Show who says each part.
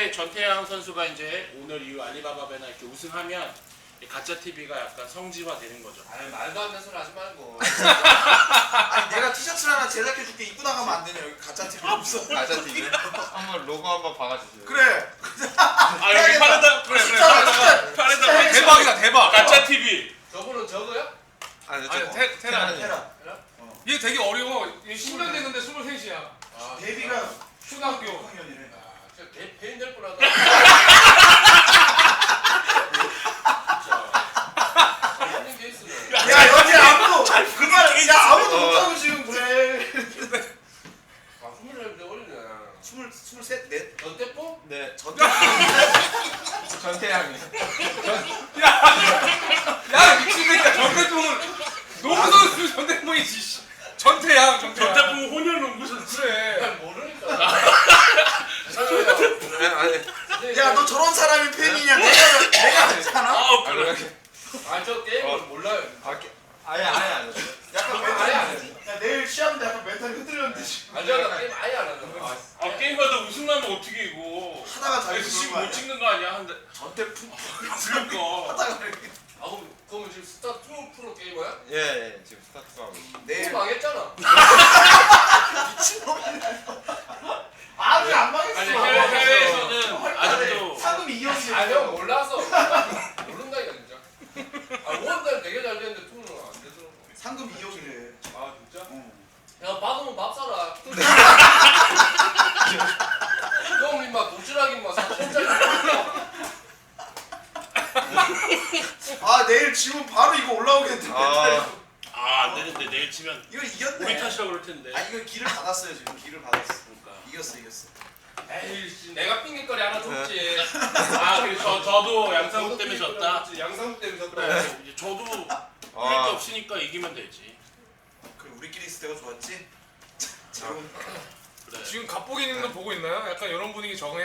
Speaker 1: 전태양 선수가 이제 오늘 이 알리바바배나 이렇게 우승하면 가짜 TV가 약간 성지화 되는 거죠.
Speaker 2: 아니 말도 안 되는 소리 하지 말고.
Speaker 3: 아니 내가 티셔츠를 하나 제작해줄게 입고 나가면 안 되냐 여기 가짜 TV 없어.
Speaker 4: 가짜 TV? 한번 로고 한번 박아주세요.
Speaker 3: 그래.
Speaker 1: 아 여기 파란다 그래 파란다
Speaker 5: 대박이다 대박.
Speaker 1: 가짜 TV.
Speaker 2: 저분은 저거야?
Speaker 4: 아니
Speaker 5: 아니
Speaker 4: 저
Speaker 5: 테라.
Speaker 3: 테라.
Speaker 5: 얘 되게 어려워. 얘 10년 됐는데 23이야.
Speaker 2: 아,
Speaker 3: 데뷔가
Speaker 5: 초등학교.
Speaker 3: 6학년이래.
Speaker 2: 아, 진짜 배인 될 뻔하다. 잘못된 케이스네.
Speaker 3: 야 여기 아무도 그말 야 아무도 못하고 지금 그래.
Speaker 2: 아 24살 어리네.
Speaker 3: 23, 넷.
Speaker 2: 넌 떼뽀?
Speaker 4: 네
Speaker 3: 전
Speaker 4: 전태양이.
Speaker 5: 야 미친놈이야. 전대풍은 농구 선수 전대풍이지. 전태양.
Speaker 1: 전태풍 혼혈 농구 선수.
Speaker 5: 그래.
Speaker 2: 잘 모르니까.
Speaker 4: 아니
Speaker 3: 야 너 저런 사람이 팬이냐? 내가 알잖아.
Speaker 1: 아
Speaker 4: 아니
Speaker 1: 그래.
Speaker 4: 이렇게
Speaker 2: 아저 게임을 몰라요.
Speaker 4: 아예 안 했어요.
Speaker 3: 약간
Speaker 2: 아예
Speaker 3: 멘탈이
Speaker 2: 안 했어.
Speaker 3: 야 내일 시합인데 약간 멘탈이 흔들렸는데 지금.
Speaker 2: 아저나 게임 아예 안 한다.
Speaker 1: 아 게임하다 우승 나면 어떻게 이거?
Speaker 3: 하다가 자기
Speaker 1: 그래서 지금
Speaker 3: 그런
Speaker 1: 못
Speaker 3: 거
Speaker 1: 찍는 거 아니야? 한데
Speaker 3: 전태풍
Speaker 1: 그러니까.
Speaker 3: 하다가 이렇게.
Speaker 2: 아 그럼 지금 스타 2 프로 게이머야?
Speaker 4: 예 지금 스타트 하고.
Speaker 3: 내일
Speaker 2: 또 망했잖아.
Speaker 3: 미친놈이네. 아직 안 망했어.
Speaker 1: 아니 해외에서는 아직도
Speaker 3: 상금 2억이.
Speaker 2: 아형 몰라서 모른다니까 진짜. 아 5월달 되게 잘 됐는데 2는 안 되더라고.
Speaker 3: 상금 2억이래.
Speaker 2: 아 진짜?
Speaker 3: 어.
Speaker 2: 야 받으면 밥 사라. 형 임마 도시락 임마 4천짜리.
Speaker 3: 아 내일 지금 바로 이거 올라오겠는데.
Speaker 1: 안 되는데 내일 치면
Speaker 3: 이거 이겼네.
Speaker 1: 우리 탓이라고 그럴 텐데.
Speaker 3: 아 이거 길을 받았어요 지금 길을 받았어.
Speaker 1: 그러니까.
Speaker 3: 이겼어.
Speaker 2: 에이 씨, 내가 핑계거리 하나 줬지.
Speaker 1: 아 그래서 저도 양상국 때문에 졌다.
Speaker 2: 양상국 때문에 졌다.
Speaker 1: 그래. 이제 저도 이길 게 없으니까 이기면 되지.
Speaker 3: 그래 우리끼리 있을 때가 좋았지. 지금
Speaker 1: 그래.
Speaker 5: 지금 갑보기님도 보고 있나요? 약간 이런 분위기 적응해.